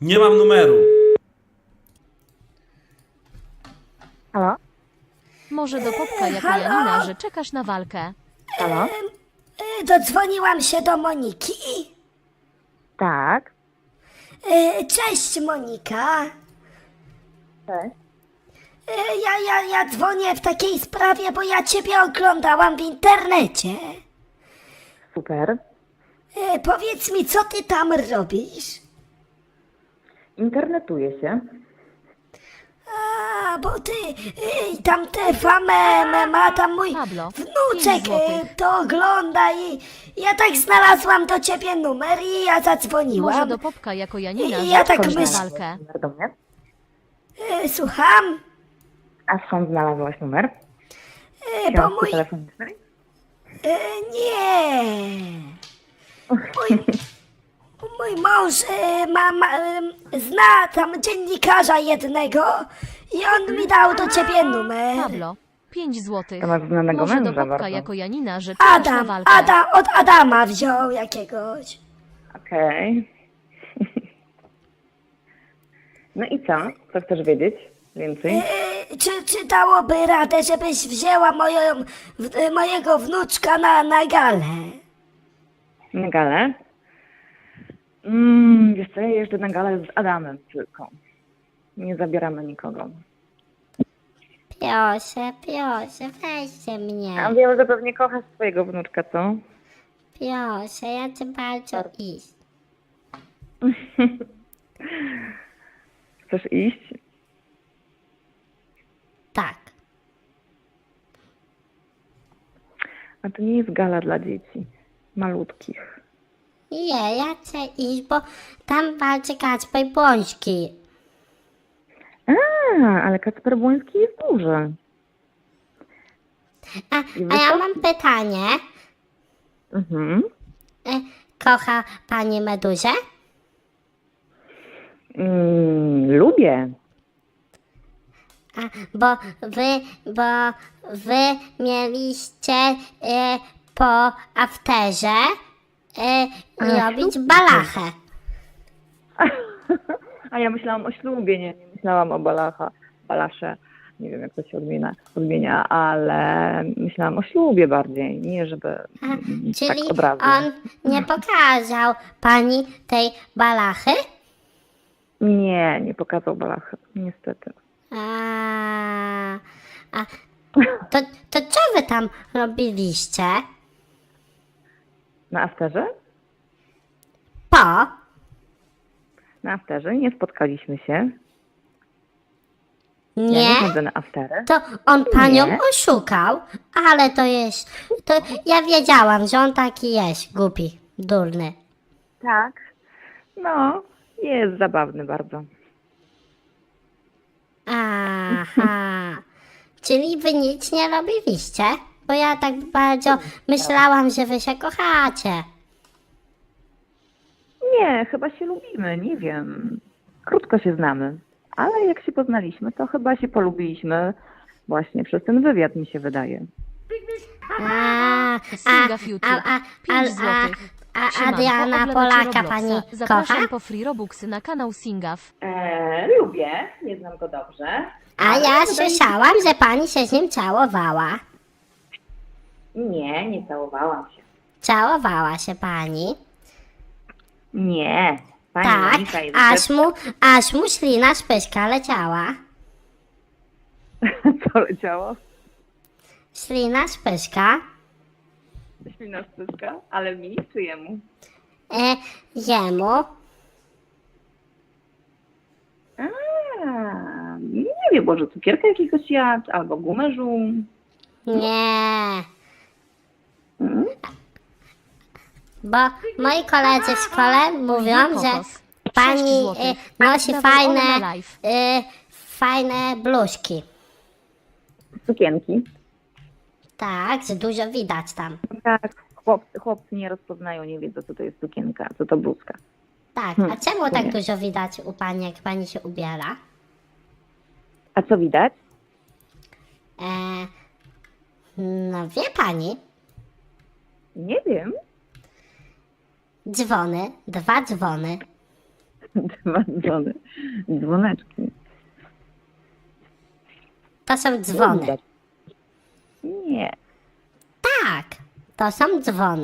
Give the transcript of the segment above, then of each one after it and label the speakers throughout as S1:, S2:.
S1: Nie mam numeru.
S2: Halo?
S3: Może do Popka jako
S4: halo?
S3: Janina, że czekasz na walkę.
S2: Halo?
S4: Dodzwoniłam się do Moniki.
S2: Tak.
S4: Cześć Monika.
S2: Cześć.
S4: Ja dzwonię w takiej sprawie, bo ja ciebie oglądałam w internecie.
S2: Super.
S4: Powiedz mi, co ty tam robisz?
S2: Internetuje się.
S4: A, bo ty tam te famę ma tam mój
S3: Pablo,
S4: wnuczek
S3: 5 złotych.
S4: to ogląda i ja tak znalazłam do ciebie numer i ja zadzwoniłam.
S3: Może do Popka jako Janina,
S4: Ja
S3: że
S4: tak
S3: czekasz na
S4: myślę.
S3: walkę.
S2: Numer do mnie.
S4: Słucham?
S2: A skąd znalazłaś numer?
S4: Bo
S2: Książki
S4: mój...
S2: telefonicznej?
S4: Nie. Mój mąż zna tam dziennikarza jednego i on mi dał do ciebie numer.
S3: Pablo, 5 złotych.
S2: To masz znanego
S3: Może do
S2: męża
S3: Popka
S2: bardzo.
S3: jako Janina, że czekasz na walkę.
S4: Od Adama wziął jakiegoś.
S2: Okej. No i co? Co chcesz wiedzieć więcej?
S4: Czy dałoby radę, żebyś wzięła mojego wnuczka na galę?
S2: Na galę? Wiesz co, ja jeżdżę na galę z Adamem tylko. Nie zabieramy nikogo.
S5: Proszę, weźcie mnie.
S2: A wiem, że pewnie kochasz swojego wnuczka, co?
S5: Proszę, ja chcę bardzo iść.
S2: Chcesz iść?
S5: Tak.
S2: A to nie jest gala dla dzieci. Malutkich.
S5: Nie, ja chcę iść, bo tam walczy Kacper Błoński.
S2: Ale Kacper Błoński jest duży.
S5: A ja mam pytanie.
S2: Mhm.
S5: Kocha pani Meduzę?
S2: Lubię.
S5: Bo wy mieliście po afterze robić balachę.
S2: A ja myślałam o ślubie, nie myślałam o balasze. Nie wiem, jak to się odmienia, ale myślałam o ślubie bardziej, nie żeby
S5: Czyli
S2: tak od razu.
S5: on nie pokazał pani tej balachy?
S2: Nie pokazał balachy, niestety.
S5: To co wy tam robiliście?
S2: Na afterze?
S5: Po?
S2: Na afterze nie spotkaliśmy się. Ja
S5: Nie?
S2: nie chodzę na aftery.
S5: To on panią
S2: Nie.
S5: oszukał, ale to jest... To ja wiedziałam, że on taki jest, głupi, durny.
S2: Tak. No, jest zabawny bardzo.
S5: Aha. Czyli wy nic nie robiliście? Bo ja tak bardzo myślałam, że wy się kochacie.
S2: Nie, chyba się lubimy, nie wiem. Krótko się znamy, ale jak się poznaliśmy, to chyba się polubiliśmy właśnie przez ten wywiad, mi się wydaje.
S3: Singa w YouTube, 5 złotych. Siemanko,
S5: Adriana
S3: oglądacie
S5: Polaka
S3: Robloxa.
S5: pani
S3: Zapraszam
S5: kocha?
S3: po free robuxy na kanał Singaw.
S2: Lubię, nie znam go dobrze.
S5: A ja słyszałam, że pani się z nim całowała.
S2: Nie całowałam się.
S5: Całowała się pani.
S2: Nie, pani
S5: Tak,
S2: Monika jest
S5: aż mu ślina z pyska leciała.
S2: Co leciało?
S5: Ślina z pyska.
S2: Ślina spyska, ale mi czy jemu?
S5: Jemu.
S2: Nie wiem, może cukierka jakiegoś jadł, albo gumę żuł.
S5: Nie. Bo moi koledzy w szkole mówią, że
S3: Kokos, 6
S5: pani
S3: złotych.
S5: nosi
S3: Dawaj Ola na live.
S5: fajne bluzki.
S2: Sukienki.
S5: Tak, że dużo widać tam.
S2: Tak, chłopcy nie rozpoznają, nie wiedzą, co to jest sukienka, co to bluzka.
S5: Tak, a czemu tak dużo widać u pani, jak pani się ubiera?
S2: A co widać?
S5: No wie pani,
S2: Nie wiem.
S5: dzwony, 2 dzwony.
S2: Dwa dzwony. Dzwoneczki.
S5: To są dzwony.
S2: Nie.
S5: Tak, to są dzwony.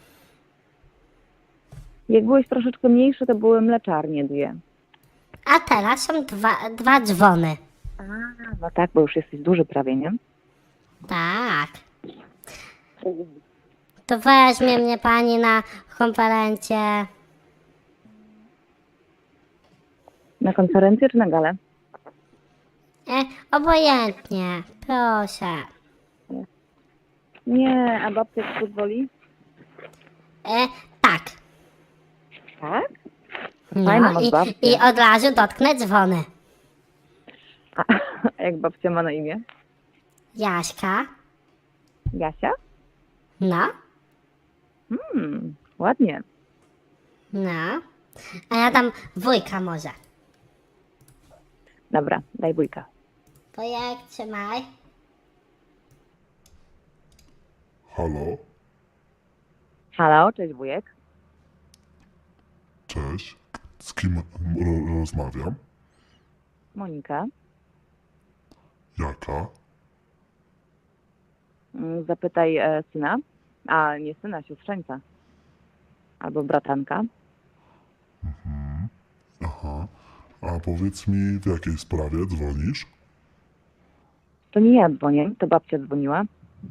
S2: Jak byłeś troszeczkę mniejszy, to były mleczarnie dwie.
S5: A teraz są dwa dzwony.
S2: A, no tak, bo już jesteś duży prawie, nie?
S5: Tak. To weźmie mnie pani na konferencję.
S2: Na konferencję czy na galę?
S5: Obojętnie, proszę.
S2: Nie, a babcia ci pozwoli?
S5: Tak.
S2: Tak? Fajna
S5: No
S2: masz babcię.
S5: i od razu dotknę dzwony.
S2: A jak babcia ma na imię?
S5: Jaśka.
S2: Jasia?
S5: No.
S2: Ładnie.
S5: No. A ja dam wujka może.
S2: Dobra, daj bójka.
S5: Wujek, trzymaj.
S1: Halo,
S2: Halo, cześć wujek.
S1: cześć. Z kim rozmawiam?
S2: Monika.
S1: Jaka?
S2: Zapytaj syna, a nie syna, siostrzeńca. Albo bratanka.
S1: Aha. A powiedz mi, w jakiej sprawie dzwonisz?
S2: To nie ja dzwonię, to babcia dzwoniła.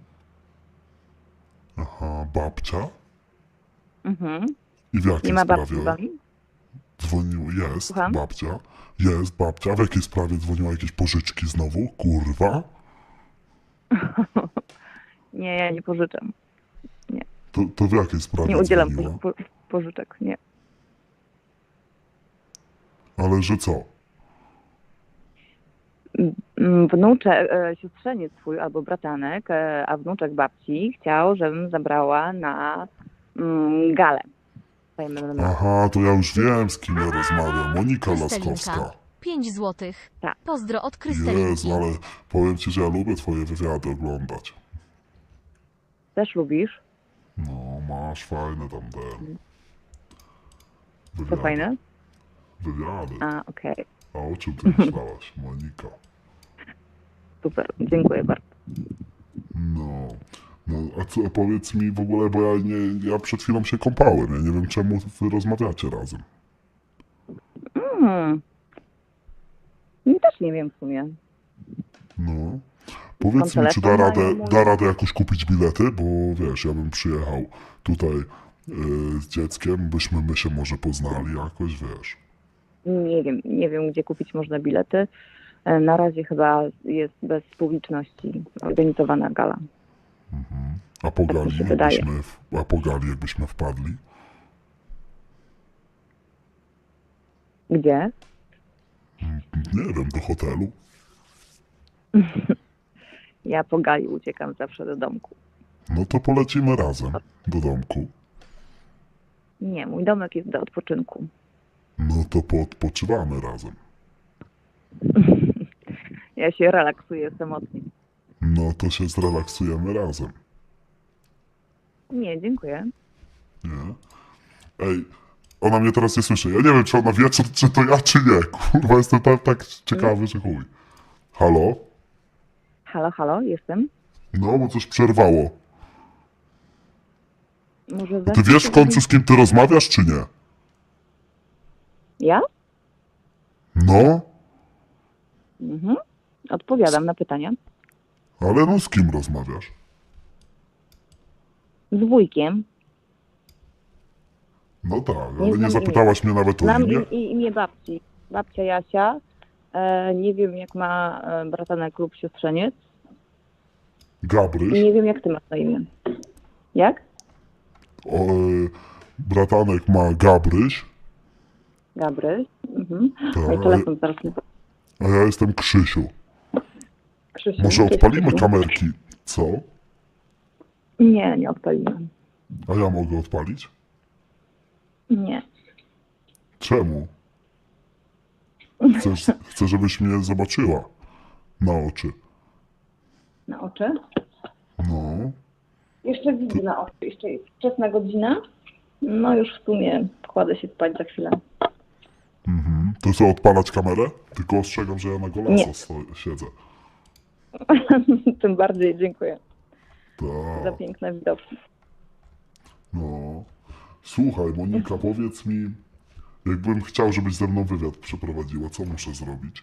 S1: Aha, babcia?
S2: Mhm.
S1: I w jakiej
S2: Nie ma babci z
S1: sprawie
S2: wami?
S1: dzwonił? Jest
S2: Słucham?
S1: babcia. Jest babcia. W jakiej sprawie dzwoniła? Jakieś pożyczki znowu? Kurwa.
S2: Nie, ja nie pożyczam.
S1: To w jakiej sprawie
S2: Nie udzielam
S1: dzwoniła?
S2: pożyczek, nie.
S1: Ale że co?
S2: Wnuczek, siostrzeniec twój albo bratanek, a wnuczek babci chciał, żebym zabrała na galę.
S1: Aha, to ja już wiem, z kim ja rozmawiam. Monika Laskowska.
S3: Krystelinka. 5 złotych.
S2: Tak.
S3: Pozdro od Krystelinki.
S1: Jezu, ale powiem ci, że ja lubię twoje wywiady oglądać.
S2: Też lubisz?
S1: No, masz fajne tam te
S2: To
S1: wywiady.
S2: fajne?
S1: Wywiady.
S2: A, okej.
S1: A o czym ty myślałaś, Monika?
S2: Super, dziękuję bardzo.
S1: No, a co, powiedz mi w ogóle, bo ja przed chwilą się kąpałem, ja nie wiem czemu wy rozmawiacie razem.
S2: Też nie wiem w sumie.
S1: No, powiedz mi, czy
S2: telefon mają,
S1: da radę jakoś kupić bilety, bo wiesz, ja bym przyjechał tutaj z dzieckiem, byśmy my się może poznali jakoś, wiesz.
S2: Nie wiem, gdzie kupić można bilety. Na razie chyba jest bez publiczności organizowana gala.
S1: A po gali,
S2: mi się wydaje.
S1: jakbyśmy wpadli?
S2: Gdzie?
S1: Nie wiem, do hotelu.
S2: Ja po gali uciekam zawsze do domku.
S1: No to polecimy razem do domku.
S2: Nie, mój domek jest do odpoczynku.
S1: No to poodpoczywamy razem.
S2: Ja się relaksuję samotnie.
S1: No to się zrelaksujemy razem.
S2: Nie, dziękuję.
S1: Nie? Ej, ona mnie teraz nie słyszy. Ja nie wiem, czy ona wie, czy to ja, czy nie. Kurwa, jestem tak ciekawy, że chuj. Halo?
S2: Halo, jestem.
S1: No, bo coś przerwało.
S2: Może
S1: Ty wiesz w końcu, z kim ty rozmawiasz, czy nie?
S2: Ja?
S1: No,
S2: Odpowiadam na pytania.
S1: ale no z kim rozmawiasz?
S2: Z wujkiem.
S1: No tak,
S2: Nie
S1: ale nie
S2: znam
S1: zapytałaś mnie nawet o
S2: Znam
S1: imię.
S2: imię babci. Babcia Jasia. Nie wiem, jak ma bratanek lub siostrzeniec. I
S1: Gabryś.
S2: nie wiem, jak ty masz na imię. Jak?
S1: Bratanek ma Gabryś,
S2: Gabryś. Mhm.
S1: Tak.
S2: Mój telefon zaraz mi...
S1: a ja jestem Krzysiu.
S2: Krzysiu,
S1: Może
S2: cześć,
S1: odpalimy
S2: Krzysiu.
S1: kamerki, co?
S2: Nie odpaliłem.
S1: A ja mogę odpalić?
S2: Nie.
S1: Czemu? Chcę, żebyś mnie zobaczyła na oczy.
S2: Na oczy?
S1: No,
S2: Jeszcze widzę na oczy. Jeszcze jest wczesna godzina. No już w sumie kładę się spać za chwilę.
S1: To co, odpalać kamerę? Tylko ostrzegam, że ja na golasa
S2: Nie.
S1: siedzę.
S2: Tym bardziej dziękuję za
S1: Tak,
S2: piękne widoki.
S1: no. Słuchaj, Monika, powiedz mi, jakbym chciał, żebyś ze mną wywiad przeprowadziła, co muszę zrobić?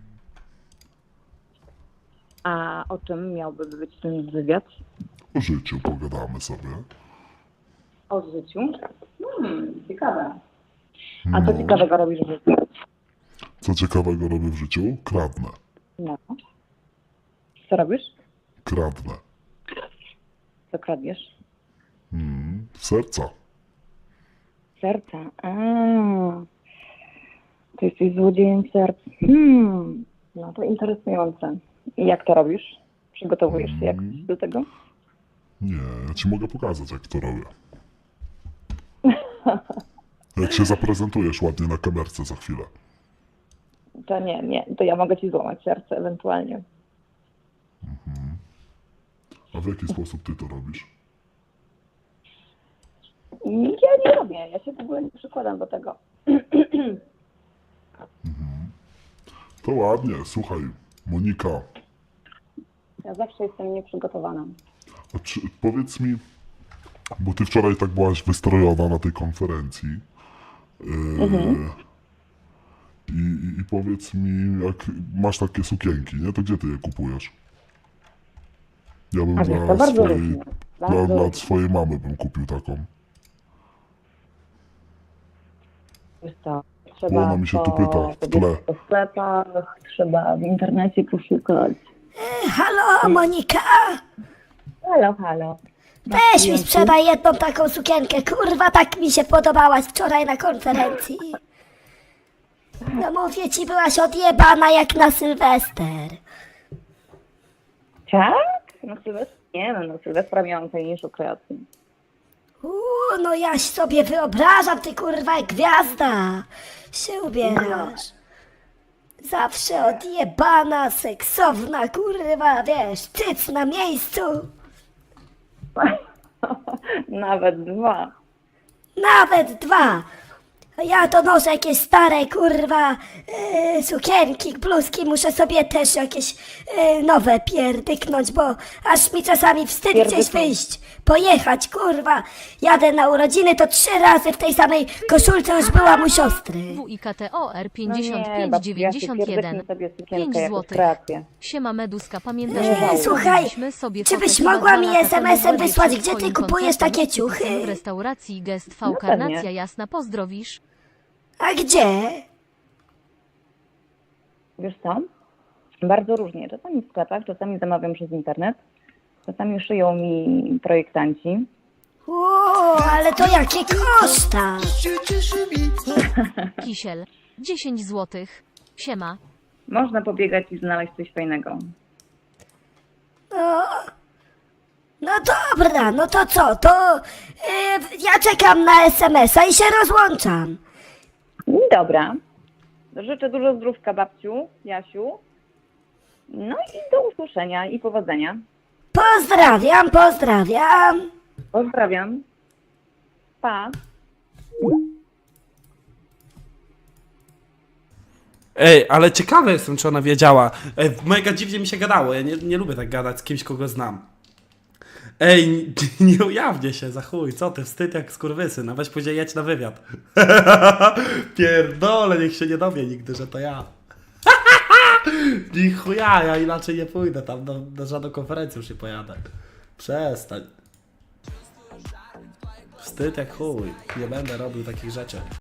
S2: A o czym miałby być ten wywiad?
S1: O życiu pogadamy sobie.
S2: O życiu? Ciekawe. A co
S1: No.
S2: ciekawego robisz w życiu?
S1: Co ciekawego robię w życiu? Kradnę.
S2: No. Co robisz?
S1: Kradnę.
S2: Co kradniesz?
S1: Serca.
S2: Serca. Ty jesteś złodziejem serc. No to interesujące. I jak to robisz? Przygotowujesz się jakoś do tego?
S1: Nie, ja ci mogę pokazać, jak to robię. Jak się zaprezentujesz ładnie na kamerce za chwilę.
S2: To nie. To ja mogę ci złamać serce ewentualnie.
S1: A w jaki sposób ty to robisz?
S2: Ja nie robię. Ja się w ogóle nie przykładam do tego.
S1: To ładnie, słuchaj, Monika,
S2: Ja zawsze jestem nieprzygotowana.
S1: a powiedz mi, bo ty wczoraj tak byłaś wystrojona na tej konferencji. I powiedz mi, jak masz takie sukienki, nie? To gdzie ty je kupujesz? Ja bym
S2: A wiesz, to bardzo różnie. Bardzo
S1: dla
S2: różnie.
S1: swojej mamy bym kupił taką.
S2: Wiesz co,
S1: Bo
S2: trzeba
S1: ona mi się tu
S2: to
S1: pyta w tle.
S2: powiedzieć po sklepach, trzeba w internecie poszukać.
S4: Halo, Monika?
S2: Halo.
S4: Weź mi sprzedaj jedną taką sukienkę, kurwa, tak mi się podobałaś wczoraj na konferencji. No mówię ci, byłaś odjebana jak na Sylwester.
S2: Tak? No Sylwestra? Nie no Sylwestra miałam fajniejszą kreację.
S4: No ja sobie wyobrażam, ty kurwa jak gwiazda się ubierasz. Zawsze odjebana, seksowna, kurwa, wiesz, cyc na miejscu.
S2: Nawet 2.
S4: Nawet 2. A ja to noszę jakieś stare, kurwa, sukienki, bluzki, muszę sobie też jakieś nowe pierdyknąć, bo aż mi czasami wstyd gdzieś
S2: Pierdyknąć.
S4: wyjść, pojechać, kurwa. Jadę na urodziny, to 3 razy w tej samej koszulce już byłam u siostry.
S3: WIKTOR
S2: No nie, babciu, ja się
S3: 5591.
S2: pierdyknę sobie
S3: 5
S2: sukienkę jako
S3: złotych.
S2: kreację.
S3: Siema Meduska, pamiętasz, że
S4: Słuchaj,
S3: zrobiliśmy sobie
S4: czy byś
S3: fotę
S4: mogła mi
S3: chyba 2 lata temu
S4: SMS-em
S3: w Łodzi
S4: wysłać,
S3: przed
S4: gdzie ty
S3: twoim
S4: kupujesz
S3: koncertem
S4: takie
S3: z Kikusem
S4: ciuchy?
S3: w restauracji Gest V
S2: No
S3: Karnacja
S2: pewnie.
S3: Jasna, pozdrowisz?
S4: A gdzie?
S2: Wiesz co? Bardzo różnie. Czasami w sklepach, czasami zamawiam przez internet. Czasami szyją mi projektanci.
S4: Ale to jakie koszta?
S3: Kisiel, 10 złotych. Siema.
S2: Można pobiegać i znaleźć coś fajnego.
S4: No dobra, no to co? To ja czekam na SMS-a i się rozłączam.
S2: Dobra. Życzę dużo zdrówka babciu, Jasiu. No i do usłyszenia i powodzenia.
S4: Pozdrawiam.
S2: Pozdrawiam. Pa.
S6: Ej, ale ciekawy jestem, czy ona wiedziała. Ej, mega dziwnie mi się gadało. Ja nie lubię tak gadać z kimś, kogo znam. Ej, nie ujawnię się, za chuj, co ty, wstyd jak skurwysyn, a weź później jedź na wywiad. Pierdolę, niech się nie dowie nigdy, że to ja. Ni chuja, ja inaczej nie pójdę tam, na żadną konferencję już nie pojadę. Przestań. Wstyd jak chuj, nie będę robił takich rzeczy.